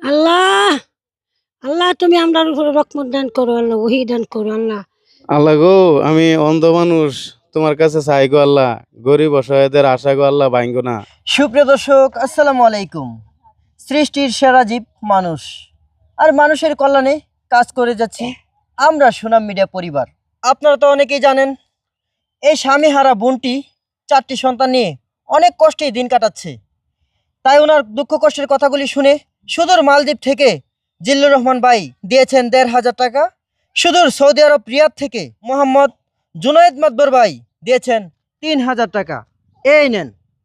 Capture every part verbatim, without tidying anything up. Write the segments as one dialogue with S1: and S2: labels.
S1: আল্লাহ আল্লাহ তুমি আমরার উপরে রহমত দান করো, আল্লাহ ওহী দান করো। আল্লাহ
S2: আল্লাহ গো, আমি অন্ধ মানুষ, তোমার কাছে চাই গো আল্লাহ, গরিব অসহায়দের আশা গো আল্লাহ ভাঙ্গো না।
S3: সুপ্রিয় দর্শক, আসসালামু আলাইকুম। সৃষ্টির সেরা জীব মানুষ, আর মানুষের কল্যাণে কাজ করে যাচ্ছি আমরা সুনাম মিডিয়া পরিবার। আপনারা তো অনেকেই জানেন, এই স্বামীহারা বোনটি চারটি সন্তান নিয়ে অনেক কষ্টেই দিন কাটাচ্ছে। তাই ওনার দুঃখ কষ্টের কথাগুলি শুনে সুদূর মালদ্বীপ থেকে জিল্লুর রহমান ভাই দিয়েছেন দেড় হাজার টাকা। সুদূর সৌদি আরব রিয়াদ থেকে মোহাম্মদ জুনায়েদ মাতবর ভাই দিয়েছেন তিন হাজার টাকা। এই নেন।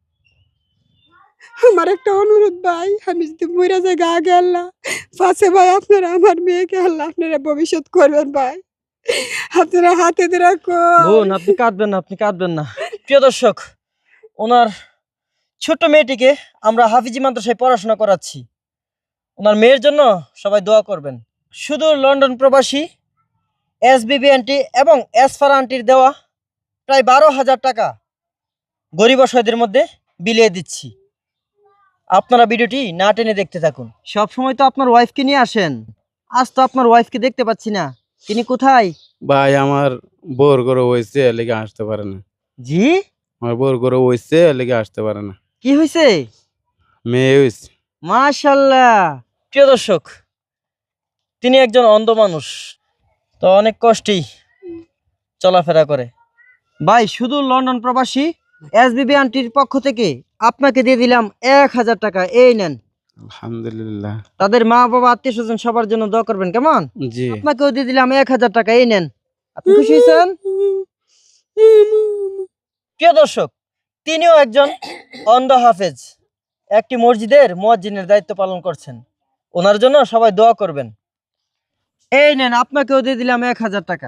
S4: আমার একটা অনুরোধ ভাই, আমি যদি মরে যাই আগে আল্লাহ পাশে ভাই, আপনারা আমার মেয়েকে আল্লাহ আপনারা ভবিষ্যৎ করবেন ভাই, আপনারা হাতে রাখো।
S3: বোন, আপনি কাঁদবেন না, আপনি কাঁদবেন না। প্রিয় দর্শক, ওনার ছোট্ট মেয়েটিকে আমরা হাফিজি মাদ্রাসায় পড়াশোনা করাচ্ছি। ওনার মেয়ের জন্য সবাই দোয়া করবেন। শুধু লন্ডন প্রবাসী এস বিবি আন্টি এবং এসফারা আন্টির দেওয়া প্রায় বারো হাজার টাকা গরিব অসহায়দের মধ্যে বিলিয়ে দিচ্ছি। আপনারা ভিডিওটি না টেনে দেখতে থাকুন। সবসময় তো আপনার ওয়াইফকে নিয়ে আসেন, আজ তো আপনার ওয়াইফকে দেখতে পাচ্ছি না, তিনি কোথায়?
S2: ভাই আমার বোর করে হয়েছে, লেগে আসতে পারে না।
S3: জি,
S2: আমার বোর করে হয়েছে, লেগে আসতে পারে না।
S3: কি হয়েছে?
S2: মেয়ে হয়েছে।
S3: মাশাআল্লাহ। প্রিয় দর্শক, তিনি একজন অন্ধ মানুষ, তো অনেক কষ্টেই চলাফেরা করে। ভাই, শুধু লন্ডন প্রবাসী এস বিবি আন্টির পক্ষ থেকে আপনাকে দিয়ে দিলাম এক হাজার টাকা। এই নেন।
S2: আলহামদুলিল্লাহ।
S3: তাদের মা বাবা আত্মীয় স্বজন সবার জন্য দোয়া করবেন, কেমন?
S2: জি,
S3: আপনাকেও দিয়ে দিলাম এক হাজার টাকা। এই নেন। আপনি খুশি হয়েছেন? প্রিয় দর্শক, তিনিও একজন অন্ধ হাফেজ, একটি মসজিদের মুয়াজ্জিনের দায়িত্ব পালন করছেন। ওনার জন্য সবাই দোয়া করবেন। এই নেন, আপনাকেও দিয়ে দিলাম এক হাজার টাকা।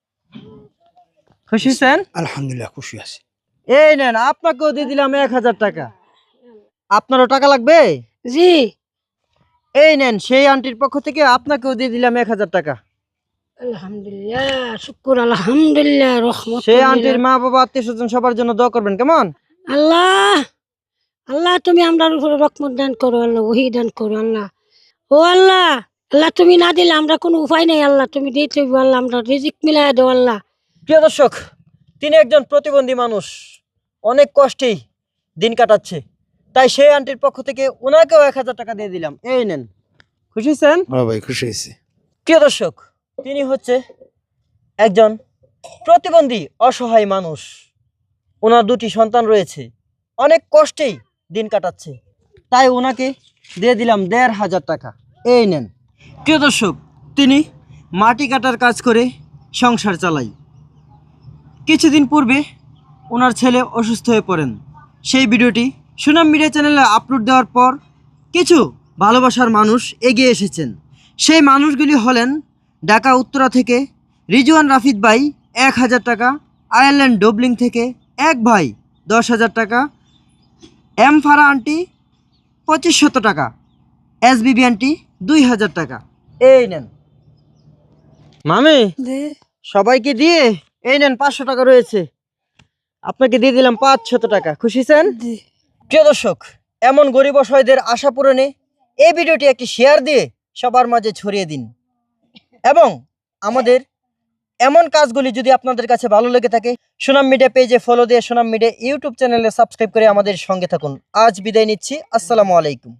S3: খুশি হয়েছেন?
S5: আলহামদুলিল্লাহ, খুশি আছি।
S3: এই নেন, আপনাকেও দিয়ে দিলাম এক হাজার টাকা। আপনারও টাকা লাগবে?
S1: জি
S3: এই নেন, সেই আন্টির পক্ষ থেকে আপনাকেও দিয়ে দিলাম এক হাজার টাকা।
S1: আলহামদুলিল্লাহ, শুকুর আলহামদুলিল্লাহ, রহমত।
S3: সেই আন্টির মা বাবা আত্মীয় স্বজন সবার জন্য দোয়া করবেন, কেমন?
S1: আল্লাহ আল্লাহ তুমি আমরার উপরে রহমত দান করো, আল্লাহ ওহী দান করো। আল্লাহ ও আল্লাহ আল্লাহ তুমি না দিলে আমরা কোনো উপায় নেই, আল্লাহ তুমি দিতে হইবো, আল্লাহ আমরা রিজিক মিলাই দেও আল্লাহ।
S3: প্রিয় দর্শক, তিনি একজন প্রতিবন্ধী মানুষ, অনেক কষ্টেই দিন কাটাচ্ছে। তাই সেই আন্টির পক্ষ থেকে ওনাকেও এক হাজার টাকা দিয়ে দিলাম। এই নেন। খুশি হয়েছেন?
S5: হ্যাঁ ভাই, খুশি হয়েছি।
S3: প্রিয় দর্শক, তিনি হচ্ছে একজন প্রতিবন্ধী অসহায় মানুষ। ওনার দুটি সন্তান রয়েছে, অনেক কষ্টেই দিন কাটাচ্ছে। তাই ওনাকে দিয়ে দিলাম দেড় হাজার টাকা। এই নেন। প্রিয় দর্শক, তিনি মাটি কাটার কাজ করে সংসার চালায়। কিছুদিন পূর্বে ওনার ছেলে অসুস্থ হয়ে পড়েন। সেই ভিডিওটি সুনাম মিডিয়া চ্যানেলে আপলোড দেওয়ার পর কিছু ভালোবাসার মানুষ এগিয়ে এসেছেন। সেই মানুষগুলি হলেন ঢাকা উত্তরা থেকে রিজওয়ান রাফিদ ভাই এক হাজার টাকা, আয়ারল্যান্ড ডবলিং থেকে এক ভাই দশ হাজার টাকা, এম ফারা আন্টি পঁচিশ শত টাকা, এস বিবি আন্টি দুই হাজার টাকা। এই নেন মামি, সবাইকে দিয়ে এই নেন পাঁচশো টাকা রয়েছে, আপনাকে দিয়ে দিলাম পাঁচ শত টাকা। খুশি হয়েছেন? প্রিয় দর্শক, এমন গরিব অসহায়দের আশা পূরণে এই ভিডিওটি একটি শেয়ার দিয়ে সবার মাঝে ছড়িয়ে দিন, এবং আমাদের এমন কাজগুলি যদি আপনাদের কাছে ভালো লেগে থাকে, সুনাম মিডিয়া পেজে ফলো দিয়ে সুনাম মিডিয়া ইউটিউব চ্যানেলে সাবস্ক্রাইব করে আমাদের সঙ্গে থাকুন। আজ বিদায় নিচ্ছি। আসসালামু আলাইকুম।